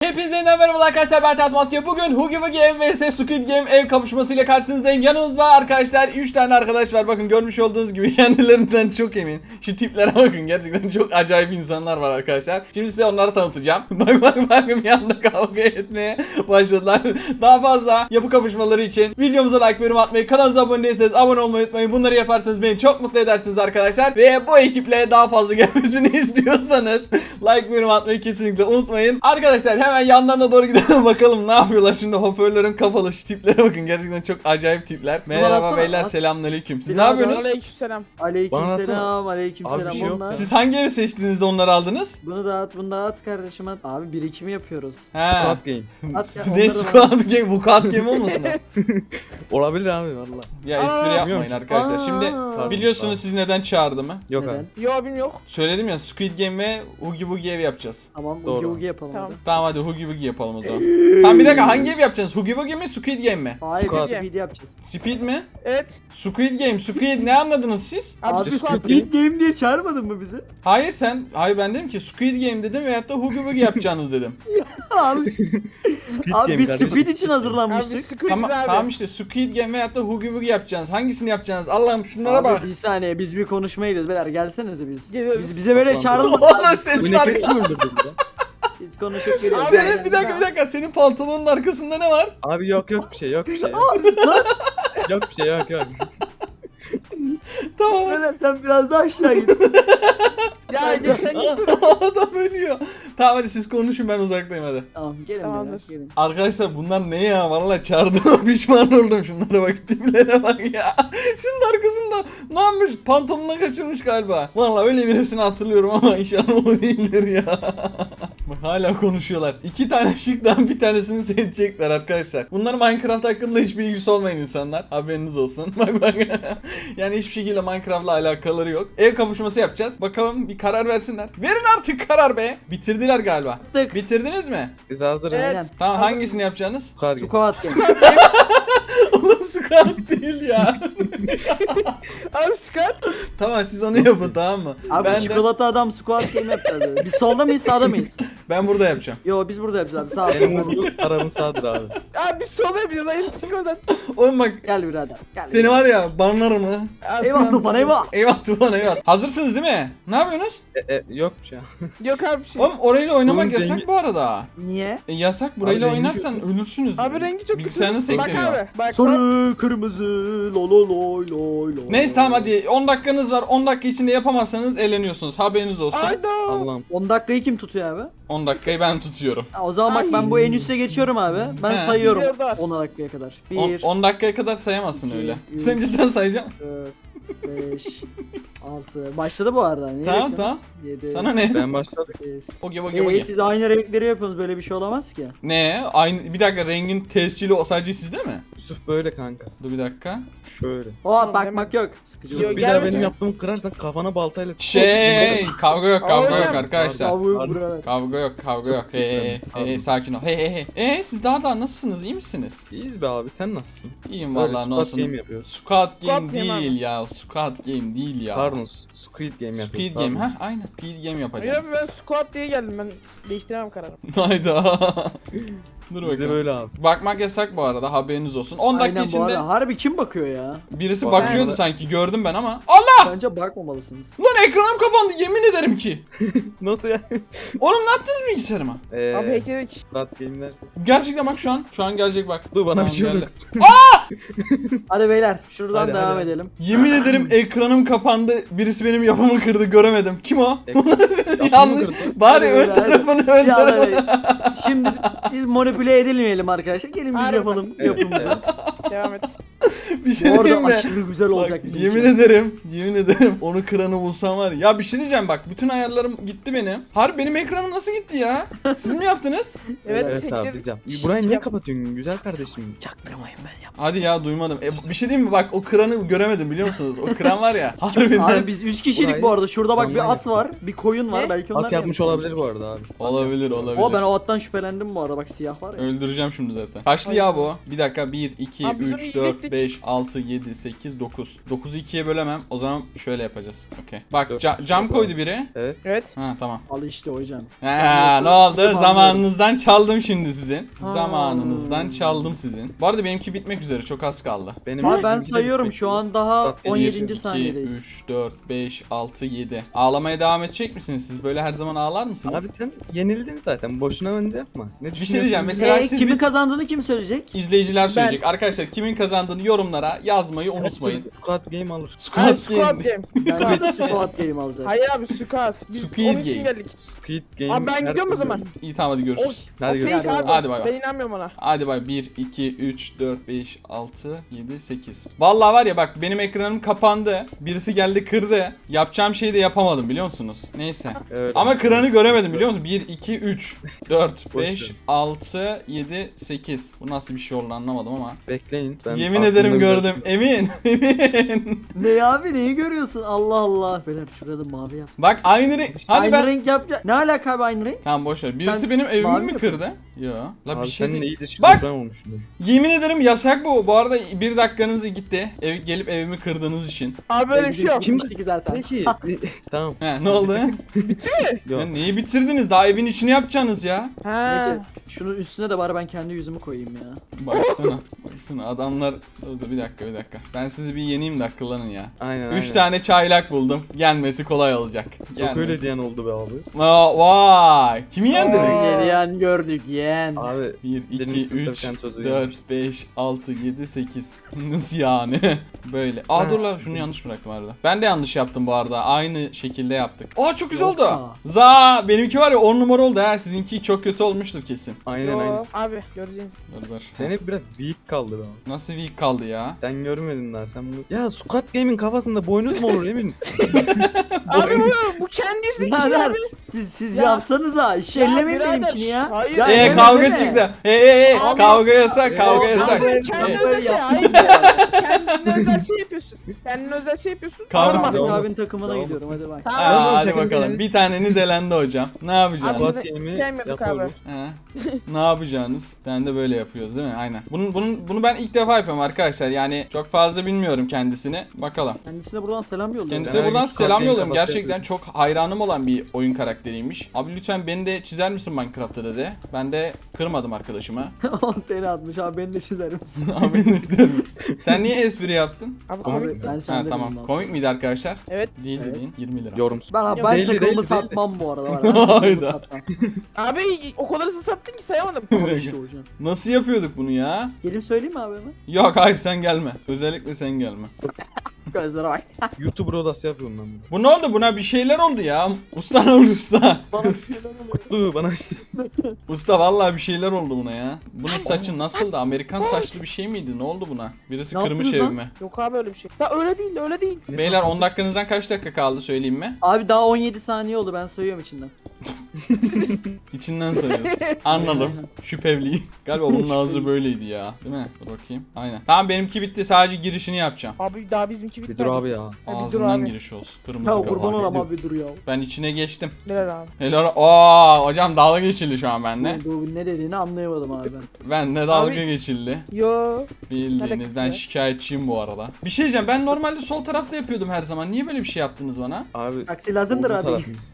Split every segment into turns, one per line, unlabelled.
Hepinize yeniden merhaba arkadaşlar, ben Ters Maske. Bugün Hugi Wugi ev vs Squid Game ev kapışmasıyla karşınızdayım. Yanımızda arkadaşlar 3 tane arkadaş var. Bakın görmüş olduğunuz gibi kendilerinden çok emin. Şu tiplere bakın, gerçekten çok acayip insanlar var arkadaşlar. Şimdi size onları tanıtacağım. Bakın bir anda kavga etmeye başladılar. Daha fazla yapı kapışmaları için videomuza like, yorum atmayı, kanalımıza abone değilseniz abone olmayı unutmayın. Bunları yaparsanız beni çok mutlu edersiniz arkadaşlar. Ve bu ekiple daha fazla gelmesini istiyorsanız like, yorum atmayı kesinlikle unutmayın. Arkadaşlar hemen yanlarına doğru gidelim bakalım ne yapıyorlar. Şimdi hoparlörüm kapalı, şu tiplere bakın, gerçekten çok acayip tipler. Merhaba beyler, selamünaleyküm. Siz ne yapıyorsunuz?
Aleykümselam.
Aleykümselam, aleykümselam.
Abi bir şey yok.
Onlar.
Siz hangi evi seçtiniz de onları aldınız?
Bunu da at, bunu da at kardeşim at. Abi birikimi yapıyoruz.
He.
Squad Game.
At ya,
Ne
onları
squad game, bu squad game olmasın o?
Olabilir abi valla.
Ya espri yapmayın
Bilmiyorum.
arkadaşlar. Şimdi
Aa.
biliyorsunuz siz neden çağırdığımı.
Yok
Neden?
abi.
Yo abim yok.
Söyledim ya, Squid Game ve Hugi Wugi ev yapacağız.
Tamam,
Doğru.
ugi ugi yapalım
Tamam.
hadi.
Tamam hadi Hugi Wugi yapalım o zaman. Tamam bir dakika, hangi ev yapacaksınız? Hugi Wugi mi, Squid Game mi?
Hayır,
Squad.
biz speed yapacağız.
Speed mi?
Evet.
Squid Game, Squid ne anladınız siz?
Abi
Squad
speed game diye çağırmadın mı bizi?
Hayır ben dedim ki Squid Game dedim veyahut da Hugi Wugi yapacağınız dedim.
Abi,
Squid
abi
Game
biz
kardeşim.
speed için
Abi
hazırlanmıştık.
Squid
Tamam,
abi.
tamam işte Squid Game veyahut da Hugi Wugi yapacaksınız. Hangisini yapacaksınız? Allah'ım şunlara bak.
Abi bir saniye, biz bir konuşmaya gidiyoruz beyler, gelsenize biz.
Geliyoruz.
Bize böyle
Tamam.
çağırın.
Oğlum senin
Bu ne
arka...
kim öldürdü burada?
Biz konuşup geliyoruz.
Abi,
Senin bir dakika senin pantolonun arkasında ne var?
Abi yok bir şey yok bir şey. Yok bir şey yok.
Tamam.
Böyle sen biraz daha aşağı git.
Ya geçen git.
Adam ölüyor. Tamam hadi siz konuşun, ben uzaktayım hadi.
Tamam, gelin
Tamamdır.
beyler, gelin.
Arkadaşlar bunlar ne ya? Vallahi çağırdığıma pişman oldum. Şunlara bak, tiplere bak ya. Şunun arkasında ne yapmış? Pantolonuna kaçırmış galiba. Vallahi öyle birisini hatırlıyorum ama inşallah o değildir ya. Bak hala konuşuyorlar. 2 tane şıktan bir tanesini seçecekler arkadaşlar. Bunlar Minecraft hakkında hiçbir ilgisi olmayan insanlar. Haberiniz olsun. Bak. Yani hiçbir şekilde Minecraft'la alakaları yok. Ev kapışması yapacağız. Bakalım bir karar versinler. Verin artık karar be. Bitirdiler galiba.
Tık.
Bitirdiniz mi?
Biz hazırız.
Evet.
Aynen.
Tamam, hangisini yapacaksınız?
Squad Game.
Squad game.
Oğlum squat değil ya.
Abi Squid.
Tamam siz onu yapın, tamam mı?
Abi
ben
çikolata adam squad game yapacağız. Biz solda mıyız, sağda mıyız?
ben burada yapacağım.
Yo, biz burada yapacağız abi, sağ ol.
Benim vurduğum tarafın sağdır abi.
Abi biz sola yapıyoruz. Hayır çık oradan.
Oğlum bak,
Gel birader. Gel.
seni var ya banlarım ha.
Abi,
Eyvah
tamam.
Tufan, eyvah.
Eyvah Tufan eyvah. Hazırsınız değil mi? Ne yapıyorsunuz?
Yok bir şey.
Yok abi bir şey.
Oğlum orayla oynamak
Bunun
yasak
rengi-
bu arada.
Niye?
Yasak, burayla
Abi rengi
oynarsan ölürsünüz.
Abi rengi çok
Bilgisayarınız
kötü. Bak
sektiriyor.
abi. Bak.
Sarı, kırmızı, lo lo loy loy loy.
Neyse tamam hadi, 10 dakikanız var. 10 dakika içinde yapamazsanız eğleniyorsunuz. Haberiniz olsun.
Hayda.
Allah'ım.
10 dakikayı kim tutuyor abi?
10 dakikayı ben tutuyorum.
Ha, o zaman bak,
Ay.
ben bu en üste geçiyorum abi. Ben
He.
sayıyorum
Biliyor da.
10 dakikaya kadar.
10
1,
10 dakikaya kadar sayamazsın
İki,
öyle.
üç.
Sen cidden sayacaksın.
4, 5, 6. Başladı bu arada. Niye
Tamam,
bekliyorsunuz? 7,
Sana ne?
Ben başladım.
8.
Oge.
Siz aynı renkleri yapıyorsunuz, böyle bir şey olamaz ki.
Ne? Aynı, bir dakika, rengin tescili o sadece sizde mi?
Yusuf böyle kanka.
Dur bir dakika.
Şöyle.
Oha, bakmak yok. Sıkıcı
Yok,
olur.
Bir daha
gelme
benim
sen.
yaptığımı kırarsan kafana baltayla.
Kavga yok
Hocam.
arkadaşlar.
Tavuğu
Pardon.
buralar.
Kavga yok
Çok
Hey
sıkıntı. Pardon.
sakin ol. Hey. Siz daha nasılsınız? İyi misiniz?
İyiyiz be abi, sen nasılsın?
İyiyim
Böyle
vallahi, ne
Squad
olsun.
Game yapıyoruz.
Squad Game
Squad Game
değil ya. Squad Game değil ya.
Pardon, Squid Game yapıyoruz.
Squid
pardon.
Game ha, aynen. Squid Game
Hayır
yapacağız.
abi ben squat diye geldim. Ben değiştiremem kararımı.
Hayda. Dur
Bizde
bakalım.
böyle abi.
Bakmak yasak bu arada, haberiniz olsun. 10 dakika
Aynen, bu
içinde
arada. Harbi kim bakıyor ya?
birisi
Bu
bakıyordu
arada-
sanki, gördüm ben ama. Allah!
Bence bakmamalısınız.
Lan ekranım kapandı, yemin ederim ki.
Nasıl ya?
Oğlum ne yaptınız bilgisayarıma?
Abi hackledik.
Squad Game'ler.
Gerçekten bak şu an gelecek bak.
Dur bana
Tamam,
bir şey
geldi.
oldu.
Hadi beyler, şuradan
Hadi,
devam
hadi.
edelim.
Yemin ederim ekranım kapandı. Birisi benim yapımı kırdı, göremedim. Kim o?
Yapımı
Yanlış.
kırdı.
Bari
Hadi
ön
öyle, hadi.
tarafını ön
Ya,
tarafını.
hadi. Şimdi biz manipüle edilmeyelim arkadaşlar. Gelin biz
Hadi.
yapalım
Evet,
yapımızı.
Devam et.
Bir şey
Bu arada
diyeyim mi?
aşırı güzel olacak
Bak,
bizim
yemin
için.
ederim onu kıranı bulsam var ya. Ya bir şey diyeceğim bak, bütün ayarlarım gitti benim. Harbi benim ekranım nasıl gitti ya? Siz mi yaptınız?
Evet,
Evet abi
hackledik.
biz yap. Burayı niye
Yap.
kapatıyorsun güzel kardeşim?
Çaktırmayın, ben yap.
Hadi ya, duymadım. Bir şey diyeyim mi, bak o kıranı göremedim biliyor musunuz? O kıran var ya. Harbiden.
Abi biz 3 kişilik
Burayı
bu arada. Şurada bak,
canlı
bir at
yaptık.
var, bir koyun var.
Ne?
Belki onlar
At yapmış olabilir bu arada abi.
Olabilir.
O, ben o attan şüphelendim bu arada, bak siyah var. var ya.
Öldüreceğim şimdi zaten. Kaçlı ya bu? Bir dakika 1, 2,
Abi biz onu
3, 4,
yiyecektik.
5, 6, 7, 8, 9. 9'u 2'ye bölemem. O zaman şöyle yapacağız. Okey. Bak
Dört,
cam koydu biri.
Evet.
Evet.
Ha tamam.
Al işte hocam.
Ha, ne oldu? Zamanınızdan çaldım şimdi sizin.
Ha.
Zamanınızdan çaldım sizin. Bu arada benimki bitmek üzere. Çok az kaldı.
Benim
Abi ben
bizimki de
sayıyorum
bitmek
şu an
üzere.
daha
Bak,
17.
2,
saniyedeyiz.
3, 4, 5, 6, 7. Ağlamaya devam edecek misiniz? Siz böyle her zaman ağlar mısınız?
Abi sen yenildin zaten. Boşuna önce yapma. Ne
Bir şey diyeceğim.
düşünüyorsun?
Mesela siz
Kimin
bir-
kazandığını kim söyleyecek?
İzleyiciler söyleyecek. Arkadaşlar kimin kazandığını yorumlara yazmayı unutmayın.
Squad Game alır.
Hayır,
Squad
Squad
Game.
Game.
Ben Squad Game alacağım.
Hayır abi Squad. Biz
Squid
onun için
Game.
geldik.
Squid Game.
Abi ben
her
gidiyorum o
türlü
zaman.
olur.
İyi tamam hadi
O,
görüşürüz.
o
Hadi
fake
görüşürüz.
abi.
Hadi bay bay.
Ben inanmıyorum ona.
Hadi bay 1, 2, 3, 4, 5, 6, 7, 8. Vallahi var ya bak benim ekranım kapandı. Birisi geldi kırdı. Yapacağım şeyi de yapamadım biliyor musunuz? Neyse.
Evet.
Ama kıranı göremedim biliyor musun? 1, 2, 3, 4,
Boş
5,
ver.
6, 7, 8. Bu nasıl bir şey oldu anlamadım ama.
Bekleyin. Ben
Yemin
aklımda
ederim
bir-
gördüm. Emin. Emin.
Ne abi neyi görüyorsun? Allah Allah. Beyler şurada mavi yap.
Bak aynı renk. Hadi
aynı
ben.
renk yap. Ne alaka abi aynı renk?
Tamam boş ver. Birisi
Sen
benim evimi
mavi
mi
mi
kırdı? Yo. La
Abi
bir şey
sen
değil.
iyice
Bak!
şizofren olmuşsun.
Yemin ederim yasak bu. Bu arada bir dakikanız gitti. Gelip evimi kırdığınız için.
Abi böyle bir şey yok.
Kim ki zaten?
Peki. Tamam.
He ne oldu?
Yok.
Ya neyi bitirdiniz? Daha evin içini yapacaksınız ya.
Ha.
Neyse şunun üstüne de bari ben kendi yüzümü koyayım ya.
Baksana. Baksana adamlar. Dur bir dakika. Ben sizi bir yeneyim de akıllanın ya.
Aynen
3 tane çaylak buldum. Gelmesi kolay olacak.
Çok öyle diyen oldu be abi.
Vay. Kimi yendiniz?
Aa.
Geleyen gördük yeğen.
Abi
1,
Benim
2,
sınıfta
3,
bir tane sözü
4, 5, 6, 7, 8. Nasıl yani? Böyle. Aa dur lan şunu yanlış bıraktım arada. Ben de yanlış yaptım bu arada. Aynı şekilde yaptık. Aa çok güzel oldu.
Yoksa.
Za benimki var ya 10 numara oldu ha. Sizinki çok kötü olmuştur kesin.
aynen
Yo,
aynen.
abi göreceğiz.
Dur.
Senin biraz weak kaldı be abi.
Nasıl weak kaldı ya?
Sen görmedin daha sen bunu. Ya Squad Game'in kafasında boynuz mu olur emin?
Abi bu kendi yüzündeki şey
Birader
abi.
siz
Ya-
yapsanıza. İş ellemeyin
birader,
benimkini ya.
hayır.
Ya
Ee,
elleme,
Kavga
elleme.
çıktı.
Abi-
Kavga yasak, kavga yasak.
Abi kendi
Ee,
özel şey. Hayır ya. Kendine özel şey yapıyorsun. Kendine özel şey yapıyorsun.
Kavga-
Alma.
Devam
Abin
olsun.
takımına
Devam
gidiyorum hadi bak.
Tamam.
Aa, hadi
şaka
bakalım.
değil.
Bir taneniz elendi hocam. Ne yapacağız?
Abi-
Squad Game'i
Sevmiyorduk abi.
yapıyoruz.
He. Ne yapacağınız? Ben de böyle yapıyoruz değil mi? Aynen. Bunu ben ilk defa yapıyorum arkadaşlar. Yani çok fazla bilmiyorum kendisini. Bakalım.
Kendisine buradan selam yolluyorum.
Kendisine
Ben
buradan
herkes
selam
kafayı
yolluyorum.
kafasına
Gerçekten
yapıyorum.
çok hayranım olan bir oyun karakteriymiş. Abi lütfen beni de çizer misin Minecraft'ta dedi. Ben de kırmadım arkadaşıma.
10 TL atmış abi beni de çizer misin?
Abi beni de çizer misin? Sen niye espri yaptın?
Abi
Abi
komik.
ben
Ha
senden
tamam.
ondan
Komik miydi arkadaşlar?
Evet.
Değil
Evet.
dediğin 20 lira.
Yorumsuz.
Ben
Yok,
ben
değil,
takımımı
değil,
satmam bu arada. Ben takımımı
Hayda.
satmam.
Abi o kadar hızlı sattın ki sayamadım.
Al işte hocam.
Nasıl yapıyorduk bunu ya?
Gelip söyleyeyim mi abi hemen?
Yok hayır sen gelme. Özellikle sen gelme.
Gözlere bak.
YouTuber odası yapıyorum ben bunu.
Bu ne oldu? Buna bir şeyler oldu ya. Usta ne oldu usta?
Bana bir şeyler oluyor.
Kutlu bana.
Usta vallahi bir şeyler oldu buna ya. Bunun saçı nasıldı? Amerikan saçlı bir şey miydi? Ne oldu buna? Birisi
Ne
kırmış
yaptınız lan?
evimi.
Yok abi öyle bir şey. Ya öyle değil öyle değil.
Beyler 10 dakikanızdan kaç dakika kaldı söyleyeyim mi?
Abi daha 17 saniye oldu ben sayıyorum içinden.
İçinden sayıyoruz. Anladım. Şüphevli. Galiba bunun ağzı böyleydi ya. Değil mi? Dur bakayım. Aynen. Tamam benimki bitti. Sadece girişini yapacağım.
Abi daha bizimki
Bir
bitmedi.
dur abi ya.
Ha, bir dur
Ağzından
abi.
giriş olsun. Kırmızı
Ya
kapağı.
kurban olam abi dur ya.
Ben içine geçtim.
Neler abi?
Helal. Aa hocam dalga geçildi şu an benimle.
Bu ne dediğini anlayamadım abi ben.
Benle dalga
Abi-
geçildi.
Yo.
Bildiğiniz ben
ya?
şikayetçiyim bu arada. Bir şey diyeceğim ben normalde sol tarafta yapıyordum her zaman. Niye böyle bir şey yaptınız bana?
Abi.
Taksi lazımdır
olduğu
abi.
tarafımız.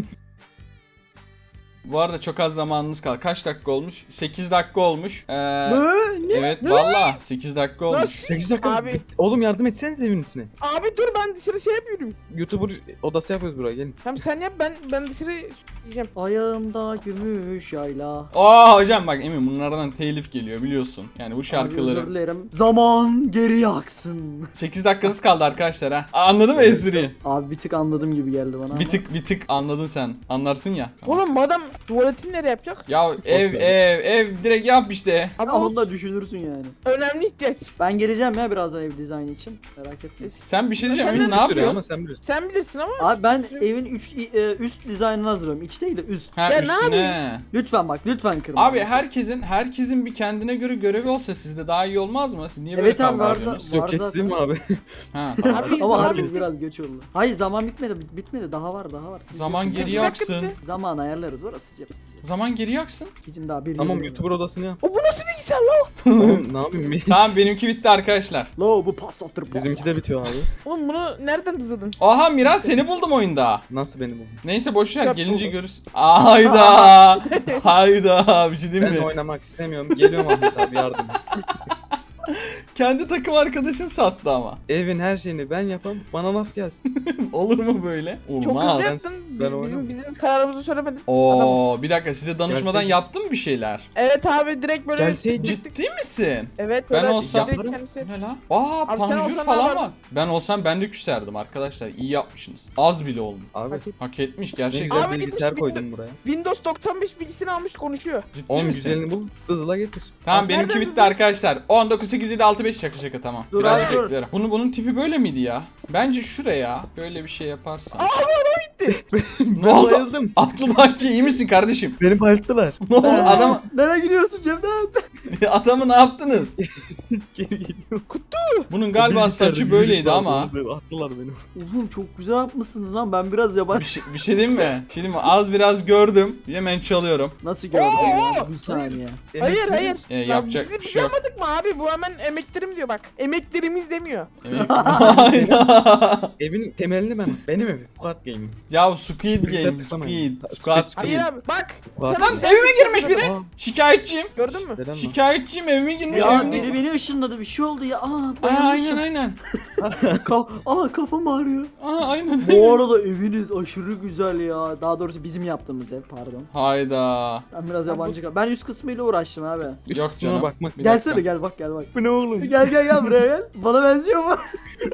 Bu arada çok az zamanınız kaldı. Kaç dakika olmuş? 8 dakika olmuş.
Ne?
Evet valla 8 dakika olmuş.
Nasıl?
8 dakika.
Abi.
Oğlum yardım etsenize evin içine.
Abi dur ben dışarı şey yapıyorum.
YouTuber odası yapıyoruz buraya gelin.
Hem sen yap ben dışarı yiyeceğim.
Ayağımda gümüş yayla.
Aa hocam bak Emin bunlardan telif geliyor biliyorsun. Yani bu
Abi özür
şarkıları.
dilerim. Zaman geri yaksın.
8 dakikanız kaldı arkadaşlar ha. Anladın mı espriyi?
Abi bir tık anladım gibi geldi bana.
Bir tık anladın sen. Anlarsın ya.
Oğlum madem tuvaletini nereye yapacak?
Ya ev direkt yap işte.
Abi
Ama
o
onu da düşünürsün yani.
önemli ihtiyaç.
Ben geleceğim ya birazdan ev dizaynı için. Merak etme.
Sen bir şey diyeceğim
Sen
Emin
de
ne
bir
Sürüyor
yapıyorsun?
ama sen bilirsin.
Sen bilirsin ama.
Abi ben evin üst dizaynını hazırlıyorum. İç değil de üst.
Ha
Ya ne
üstüne.
Lütfen bak lütfen kırma.
Abi herkesin bir kendine göre görevi olsa sizde daha iyi olmaz mı? Siz niye böyle
Evet abi,
kavga
var
ediyorsunuz?
Yok
Var
geçsin mi
zaten.
abi?
Ha tamam.
Abi
Ama
zaman
harbi
bitti.
biraz geç oldu. Hayır zaman bitmedi. Bitmedi. Daha var. Siz
Zaman
yok.
geri
8 dakika
aksın.
bitti.
Zaman ayarlarız. Var siz yapın siz.
Zaman geri yaksın.
Bizim daha bir
Tamam
yıl
YouTuber odasını yap.
O bu nasıl bilgisayar lan?
Oğlum ne yapayım?
Tamam benimki bitti arkadaşlar.
Lo bu pasattır
Bizimki de bitiyor abi.
Oğlum bunu nereden hızladın?
Aha Miraz seni buldum oyunda.
Nasıl benim bu?
Neyse boş ver
Yap
gelince
buldum.
görürsün. Hayda. Hayda bir şey
Ben
diyeyim mi?
oynamak istemiyorum. Geliyorum Ahmet abi yardım.
Kendi takım arkadaşın sattı ama.
Evin her şeyini ben yapam. Bana laf gelsin.
Olur mu böyle?
Çok
Olmaz.
hızlı yaptın.
ben
Bizim,
oynamam.
bizim kararımızı söylemedin.
Oo bir dakika size danışmadan
Gerçek-
yaptın mı bir şeyler?
Evet abi direkt böyle
Gelseydi-
Ciddi misin?
Evet
Ben
böyle
olsam-
direkt kendisi.
Ne lan? Aa
Abi sen
panjur
olsan
falan
ne
var.
yapardın?
Ben olsam ben de küserdim arkadaşlar. İyi yapmışsınız. Az bile oldu.
Abi
Hak et-
Hak etmiş
ne
gerçekten.
güzel
Abi
bilgisayar
gitmiş,
koydum buraya.
Windows 95 bilgisini almış konuşuyor.
Ciddi
Onun
misin?
güzelini bul. Hızla getir.
Tamam
Abi
benimki
nereden
bitti
hızlı?
arkadaşlar. 19 8 7 6 5 şaka şaka tamam.
Dur
Birazcık
abi, dur.
beklerim. Bunun tipi böyle miydi ya? Bence şuraya böyle bir şey yaparsan. Ne oldu?
Bayıldım.
Abdülbaki ki iyi misin kardeşim?
Beni bayılttılar.
Ne oldu? Adam
Nereye gidiyorsun Cemden?
adamı ne yaptınız?
Geri geliyor.
Bunun galiba saçı böyleydi ama.
Attılar beni.
Oğlum çok güzel yapmışsınız lan, ben biraz yabancı.
Bir şey diyeyim mi? Bir şey diyeyim mi? Az biraz gördüm. Hemen çalıyorum.
Nasıl gördün ya?
Oo!
Bir saniye.
Hayır hayır.
Yapacak
Bizim
bir şey yok.
yapmadık mı abi? Bu hemen emeklerim diyor bak. Emeklerimiz demiyor.
Hayda.
Evin temelini ben. Benim evim. Squad Gaming.
Ya Squid
Bilgisayar
Game.
tıklamayın.
Squid
Hayır
Game.
abi bak.
Squad
Sana
Lan
güzel
evime
bir
girmiş
şey
biri.
Aa,
Şikayetçiyim.
Gördün mü?
neden mi?
Şikayetçiyim evime girmiş
Ya
evimdeki.
biri beni ışınladı, bir şey oldu ya.
Aa,
Bayılmışım.
aynen.
Kafam ağrıyor.
Aynen.
Bu arada eviniz aşırı güzel ya. Daha doğrusu bizim yaptığımız ev, pardon.
Hayda.
Ben biraz yabancı Ben üst kısmıyla uğraştım abi.
Üst
Yok
kısmına
canım.
bakmak.
Bir
Gelsene
dakika.
gel bak gel bak.
Bu ne oğlum?
Gel buraya gel. Bana benziyor mu?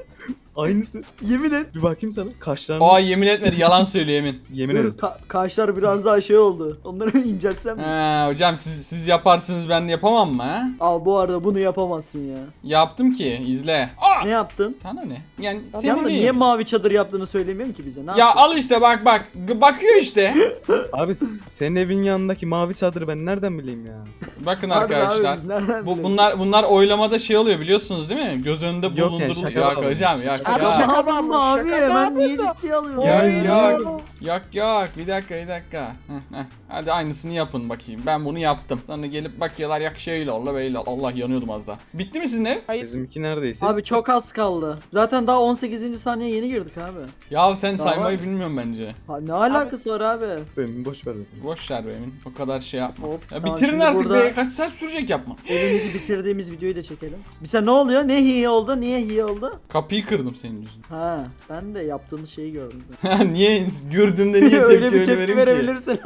Aynısı.
Yemin et.
Bir bakayım sana. Kaşlarını.
Aa yemin etmedi yalan söylüyor yemin.
Yemin
Dur
ederim.
kaşlar biraz daha şey oldu. Onları inceltsem mi?
Ha, hocam siz yaparsınız ben yapamam mı ha?
Al bu arada bunu yapamazsın ya.
Yaptım ki izle. Aa!
Ne yaptın?
Sana ne? Yani
Ya
senin
niye
neyim?
mavi çadır yaptığını söylemiyorum ki bize. Ne
Ya
yaptın?
al işte bak. Bakıyor işte.
Abi senin evin yanındaki mavi çadırı ben nereden bileyim ya?
Bakın
Harbi abi,
arkadaşlar.
biz nereden
Bu
bilelim?
bunlar oylamada şey oluyor biliyorsunuz değil mi? Göz önünde
Yok yani,
bulunduruluyor.
şaka
Yok
bağlı.
hocam yok
Abi
ya.
şaka
Yapma
varmış,
abi
şaka
hemen niye
yapıyordu.
ciddiye alıyorsun?
Yok
Oy.
yok. Bir dakika. Heh. Hadi aynısını yapın bakayım. Ben bunu yaptım. Sonra gelip bakıyorlar yak şöyle olla böyle Allah yanıyordum az daha. Bitti mi sizin ev?
Hayır.
Bizimki neredeyse.
Abi çok az kaldı. Zaten daha 18. saniye yeni girdik abi.
Ya sen
Daha
saymayı
var.
bilmiyorum bence.
Ha, ne alakası var abi?
Ben boş ver.
Boş ver be Emin. O kadar şey yapma.
Hop,
Ya
tamam,
bitirin
şimdi
artık
burada
be. Kaç saat sürecek yapma.
Evimizi bitirdiğimiz videoyu da çekelim. Bize ne oluyor? Ne hi oldu? Niye hi oldu?
Kapıyı kırdım senin yüzünden.
Ha, ben de yaptığımız şeyi gördüm zaten.
Niye gördüğümde niye tepki
öyle bir tepki
vereyim ki?
verebilirsin.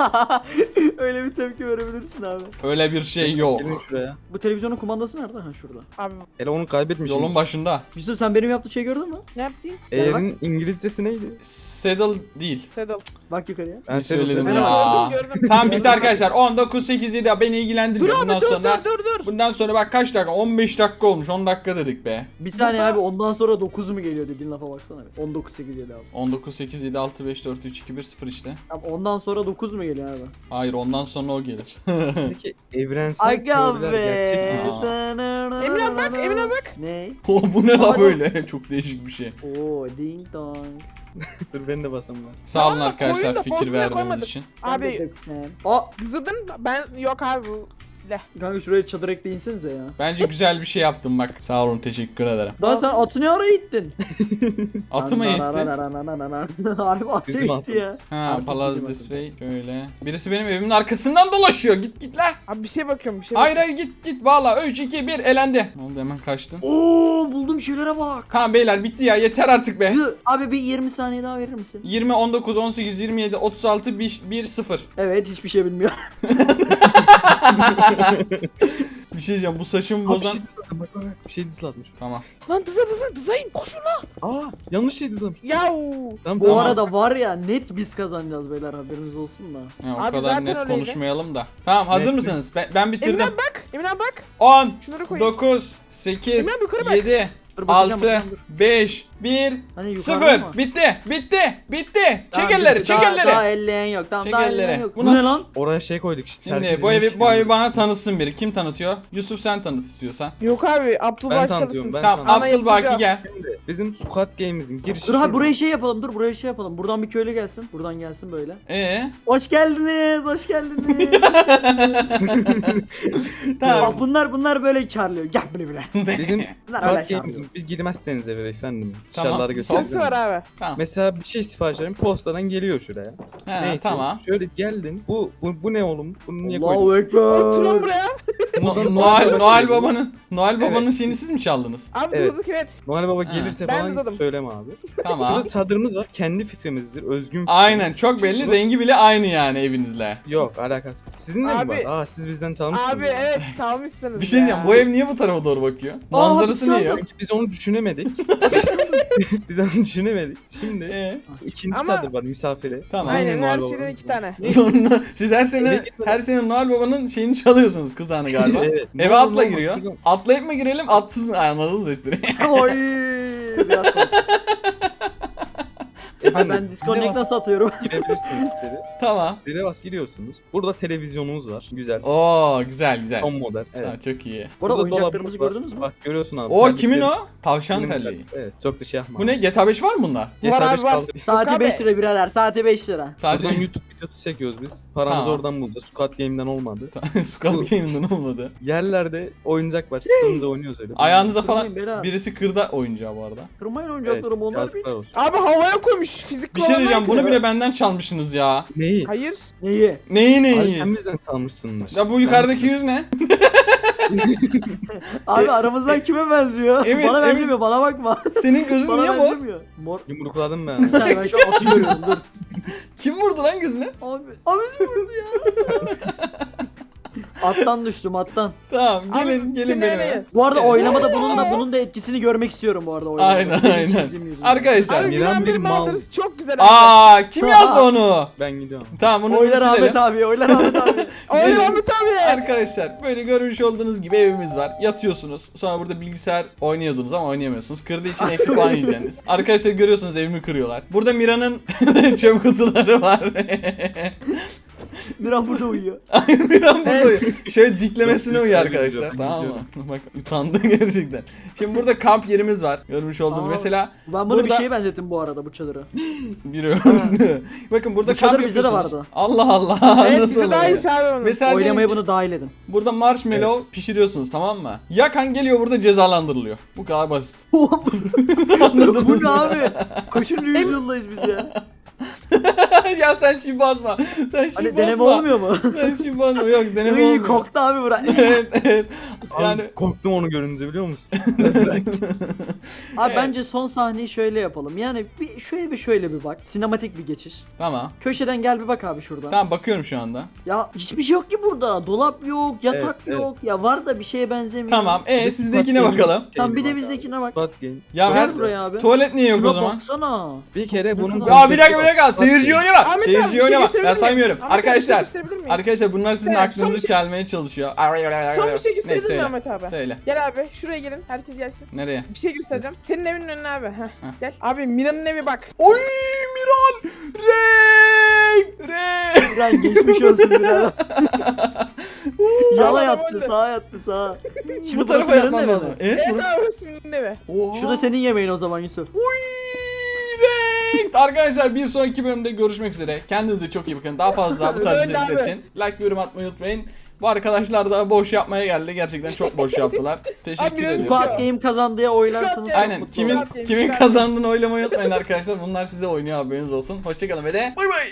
Öyle bir tepki verebilirsin abi.
Öyle bir şey yok.
Gelin şuraya.
Bu televizyonun kumandası nerede? Ha şurada.
Abi
Hele onu kaybetmişim.
Yolun başında.
Yusuf sen benim yaptığım şeyi gördün mü?
ne yaptın?
Eğerin İngilizcesi neydi?
Saddle değil.
Saddle.
Bak yukarıya.
Ben
Bir söyledim
Ben
ya.
gördüm.
Tamam bitti arkadaşlar. 19 8 7 beni
Dur
ilgilendirmiyor.
abi
Bundan
dur
sonra
dur.
bundan sonra bak kaç dakika? 15 dakika olmuş. 10 dakika dedik be.
Bir saniye abi, ondan sonra 9 mu geliyor dediğin lafa baksana. 19 8 7 abi.
19 8 7 6 5 4 3 2 1 0 işte.
Abi ondan sonra 9 mu geliyor abi?
Hayır ondan sonra o gelir.
Peki evrensel
Aga
teoriler
be.
gerçek mi?
Emine bak, Emine bak.
Ne?
O bu ne la
Ama-
böyle? Çok değişik bir şey.
Oo ding dong.
Dur ben de basam ben.
Sağ olun
Tamam da
arkadaşlar
koyun da
fikir
bozmaya
verdiğiniz
koymadık.
için.
Abi
Aa
zıdın ben yok abi bu.
kanka şuraya çadır ekleyinsenize ya.
Bence güzel bir şey yaptım bak. Sağ olun teşekkür ederim.
Daha sen atı ne ara ittin?
Atı mı eğittin?
Harbi atı
Bizim
itti
atımız.
ya.
Ha
Artık
Palaz
bizim
this
atımız.
way şöyle. Birisi benim evimin arkasından dolaşıyor. Git la.
Abi bir şey bakıyorum bir şey
Hayır
bakıyorum.
hayır git valla 3 2 1 elendi. Ne oldu hemen kaçtın?
Oo buldum şeylere bak.
Tamam beyler bitti ya yeter artık be.
Yuh, abi bir 20 saniye daha verir misin?
20 19 18 27 36 1 0.
Evet hiçbir şey bilmiyor.
Bir şey diyeceğim bu saçımı
Aa, bir
bozan.
şey dizlatmış. Bak bak bak. Bir şey dizlatmış.
Tamam.
Lan dızayın koşun lan.
Aa yanlış şey dizlatmış.
Yahu.
Tamam
Bu
tamam.
arada var ya net biz kazanacağız beyler, haberiniz olsun da.
Ya, o
Abi
kadar
zaten
net
öyleydi.
konuşmayalım da. Tamam hazır
Net mi?
mısınız? Ben bitirdim.
Emine bak. Emine bak.
10
Şunları koyun.
9 8
Emre abi yukarı bak.
7
Dur, bakacağım,
6
bakacağım, dur.
5 1
Hani yukarıda
0
mı?
bitti.
Tamam,
Çek elleri,
bitti.
çek
Daha
elleri.
elleyen yok. Tamam
Çek
daha
elleri.
elleyen yok.
Bu
Bu ne
nasıl-
lan?
Oraya şey koyduk işte.
Şimdi
terk
bu
edilmiş
evi
yani.
bana tanıtsın biri. Kim tanıtıyor? Yusuf sen tanıt istiyorsan.
Yok abi
Ben
Abdülbaş
tanıtıyorum
tanısın.
ben.
Tamam
Ana
Abdülbaki
yapacağım.
gel.
Şimdi bizim Squad Games'in girişi
Dur abi
şurada.
buraya şey yapalım. Dur buraya şey yapalım. Buradan bir köylü gelsin. Buradan gelsin böyle. Hoş geldiniz. Hoş geldiniz.
Tamam.
Aa, bunlar böyle çağırıyor. Gel buraya.
Bizim
Bunlar öyle
Squad
çağırıyor.
Games'in biz girmezseniz eve efendim.
Tamam.
Dışarılara
Sırası
götürelim.
var abi.
Tamam.
Mesela bir şey sipariş verin postadan geliyor şuraya.
Ha,
Neyse.
tamam.
Şöyle geldin. Bu ne oğlum? Bunu niye koydun?
Allahu Ekber.
Oturun buraya.
Noel Baba'nın şeyini siz mi çaldınız?
Abi
Evet.
durduk evet.
Noel Baba
Ha.
gelirse
Ben
falan
uzadım.
söyleme abi.
Tamam.
Şurada çadırımız var. Kendi fikrimizdir. Özgün fikrimiz.
Aynen çok belli, rengi bile aynı yani evinizle.
Yok alakası. Sizin de mi
Abi-
var? Aa siz bizden çalmışsınız.
Abi evet çalmışsınız
Bir şey diyeceğim, bu ev niye bu tarafa doğru bakıyor? Manzarası niye yok?
Çünkü biz onu düşünemedik. Biz onu düşünemedik. Şimdi ikinci
Ama-
çadır var misafire.
Tamam.
Aynen
Noel
her
Baba'nın.
şeyden 2 tane.
Siz her sene Noel Baba'nın şeyini çalıyorsunuz, kızağını galiba.
Evet.
Eve
Ne
atla
olur,
giriyor.
olmaz.
Atlayıp mı girelim, atsız mı? Ay, anladınız işte.
Oy. Biraz korktum. Abi
Efendim,
ben disconnect nasıl atıyorum?
girebilirsiniz içeri.
Tamam.
Zile bas giriyorsunuz. Burada televizyonumuz var. Güzel.
Oo güzel güzel.
Son model. Evet.
Ha, çok iyi.
Bu arada
Burada
oyuncaklarımızı
dolabımız var.
gördünüz mü?
Bak görüyorsun abi.
O
terlikleri-
kimin o? Tavşan
Benim
terliği.
terlik. Evet çok da şey yapma.
Bu ne? GTA 5 var mı bunda?
Var
GTA
abi,
5
var.
kaldı.
Saati
Yok
5
abi.
lira birader. Saati 5 lira.
Sadece
Buradan YouTube videosu çekiyoruz biz. Paramızı
Tamam.
oradan bulacağız. Squad Game'den olmadı.
Squad Game'den olmadı.
Yerlerde oyuncak var. Sıkılınca oynuyoruz öyle.
Ayağınıza falan
Kırmayın beyler.
birisi kırda oyuncağı bu arada.
Kırmayın
Evet,
oyuncaklarımı onlar bir.
yazıklar olsun.
Abi havaya koymuş fizik
Bir şey diyeceğim, bunu bile benden çalmışsınız ya.
Neyi?
Hayır.
Neyi?
Neyi
Abi
neyi?
sen bizden çalmışsındır.
Ya bu yukarıdaki yüz ne?
Abi aramızdan kime benziyor?
Evet,
Bana
evet.
benzemiyor, bana bakma.
Senin gözün
Bana
niye mor?
benzemiyor. Mor.
Yumrukladım
Bir
ben.
saniye ben şu an atı görüyorum dur.
Kim vurdu lan gözüne?
Abi vurdu ya. Attan düştüm attan.
Tamam gelin
Abi,
gelin
seni
benim.
arayın.
eve.
Bu arada
Evet.
oynamada bunun da etkisini görmek istiyorum bu arada oylamada.
Aynen
Benim
aynen.
çizdiğim yüzünden.
Arkadaşlar.
Abi
Miran
Miran
bir
bir
mal.
maldır. Çok güzel abi.
Aa kim yazdı onu?
Ben gidiyorum.
Tamam bunu
Oylar Ahmet
silelim.
abi, oylar Ahmet abi.
Oyun
Gelin.
Ahmet abi.
Arkadaşlar böyle görmüş olduğunuz gibi evimiz var. Yatıyorsunuz. Sonra burada bilgisayar oynuyordunuz ama oynayamıyorsunuz. Kırdığı için eksi puan yiyeceksiniz. Arkadaşlar görüyorsunuz evimi kırıyorlar. Burada Mira'nın çöp kutuları var.
Miran burada uyuyor.
Miran burada
Evet.
uyuyor. Şöyle diklemesine
Çok
uyuyor
güzel
arkadaşlar.
video,
Tamam mı?
biliyorum.
Bak utandı gerçekten. Şimdi burada kamp yerimiz var. Görmüş olduğunuz
Aa,
mesela
Ben bunu bir
burada-
şeye benzettim bu arada bu çadırı.
bir öğrenci. Bakın burada
Bu çadır
kamp
bizde de
yapıyorsunuz.
vardı.
Allah Allah.
Evet
Nasıl
bize daha
oluyor?
iyi abi onu.
Mesela
Oylamaya
diyelim ki
bunu dahil edin.
burada marshmallow pişiriyorsunuz, tamam mı? Yakan geliyor burada cezalandırılıyor. Bu kadar basit. Anladınız
Bu ne
mı?
abi? Kaçıncı yüzyıldayız biz ya?
Ya sen şimdi basma. Sen şimdi
Hani
basma.
deneme olmuyor mu?
Sen şimdi basma. Yok deneme
İyi
olmuyor.
koktu abi bura.
Evet evet.
Abi
Yani
korktum onu görünce biliyor musun?
Abi bence son sahneyi şöyle yapalım. Yani bir şu eve şöyle bir bak. Sinematik bir geçiş.
tamam.
Köşeden gel bir bak abi şuradan.
Tamam bakıyorum şu anda.
Ya hiçbir şey yok ki burada. Dolap yok, yatak
Evet,
yok. Ya var da bir şeye benzemiyor.
Tamam.
Bir de
Sizdekine
Squad Game.
bakalım.
Tamam bir de
Bak
bizdekine bak.
Squad Game.
Ya
Gel
her
buraya abi.
tuvalet niye yok
Şuna
o zaman?
baksana.
Bir kere bunun
Ya
Ya bir dakika. Seyirci oynama.
Ahmet abi, bir
Seyirci
şey
oynama. Ben
gösterebilir miyim?
saymıyorum.
Ahmet abi, bir şey
Arkadaşlar.
gösterebilir miyim?
Arkadaşlar bunlar sizin
Evet, son
aklınızı
bir şey-
çalmaya çalışıyor.
Son bir şey
Ne
gösterebilir miyim
söyle.
Ahmet abi?
Söyle.
Gel abi şuraya gelin. Herkes gelsin.
Nereye?
Bir şey göstereceğim. Senin evinin önüne abi. Heh. Gel. Abi Mira'nın evi bak.
Oy Miran! Renk! Renk!
Miran geçmiş olsun Miran. Yana
Adam
yattı,
öldü.
sağa yattı, sağa. Şimdi
Bu tarafa
burası
yapmam
Miran'ın
lazım.
evi mi?
Evet.
Evet abi burası Mira'nın evi.
Oha.
Şu da senin yemeğin o zaman Yusuf.
Uy, renk! Arkadaşlar bir sonraki bölümde görüşmek üzere. Kendinize çok iyi bakın. Daha fazla bu tarz
Öyle
içerikler
abi.
için like ve yorum atmayı unutmayın. Bu arkadaşlar da boş yapmaya geldi. Gerçekten çok boş yaptılar. Teşekkür
biraz
ediyorum.
Squad Game kazandıya oylarsanız
Squad
çok
Game.
Aynen.
mutlu
Kimin
olurum.
Squad Game,
kimin
Squad Game.
kazandığını oylamayı unutmayın arkadaşlar. Bunlar size oynuyor, haberiniz olsun. Hoşçakalın ve de bay bay.